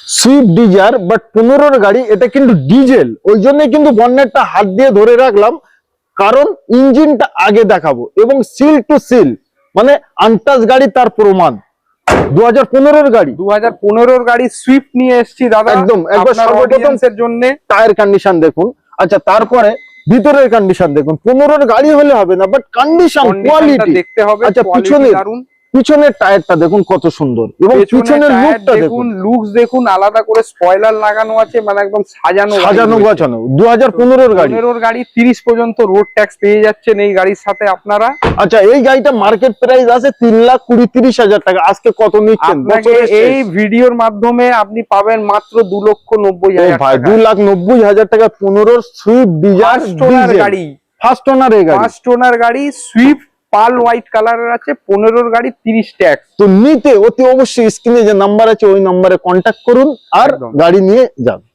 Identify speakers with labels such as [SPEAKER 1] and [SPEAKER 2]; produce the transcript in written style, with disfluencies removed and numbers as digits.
[SPEAKER 1] Swift Dzire but 15 গাড়ি, এটা কিন্তু ডিজেল, ওই জন্য কিন্তু বনেটটা হাত দিয়ে ধরে রাখলাম, কারণ ইঞ্জিনটা আগে দেখাবো এবং সিল টু সিল মানে আনটাচ গাড়ি তার প্রমাণ। 2015 গাড়ি,
[SPEAKER 2] 2015 গাড়ি সুইফট নিয়ে এসেছি দাদা,
[SPEAKER 1] একদম একবার সর্বপ্রথম
[SPEAKER 2] এর জন্য
[SPEAKER 1] টায়ার কন্ডিশন দেখুন। আচ্ছা, তারপরে ভিতরের কন্ডিশন দেখুন। 15 গাড়ি হলে হবে না, বাট কন্ডিশন কোয়ালিটি
[SPEAKER 2] দেখতে হবে।
[SPEAKER 1] আচ্ছা, পিছনের টায়ারটা দেখুন কত সুন্দর, এবং পিছনের লুকটা দেখুন,
[SPEAKER 2] লুকস দেখুন, আলাদা করে স্পয়লার লাগানো আছে, মানে একদম সাজানো
[SPEAKER 1] গোছানো। 2015 গাড়ি,
[SPEAKER 2] 15 গাড়ি 30 পর্যন্ত রোড ট্যাক্স পেয়ে যাচ্ছেন এই গাড়ির সাথে আপনারা।
[SPEAKER 1] আচ্ছা, এই গাড়িটা মার্কেট প্রাইস আছে 3,20,30,000 টাকা। আজকে কত নিচ্ছেন?
[SPEAKER 2] এই ভিডিওর মাধ্যমে আপনি পাবেন মাত্র 2,90,000
[SPEAKER 1] ভাই, 2,90,000 টাকা 15 সুইফট ডিজায়ার গাড়ি, ফার্স্ট ওনার এই গাড়ি,
[SPEAKER 2] ফার্স্ট ওনার গাড়ি সুইফট পাল হোয়াইট কালারের আছে, 15 গাড়ি 30 ট্যাক্স।
[SPEAKER 1] তো নিতে অতি অবশ্যই স্ক্রিনে যে নাম্বার আছে ওই নাম্বারে কন্ট্যাক্ট করুন আর গাড়ি নিয়ে যান।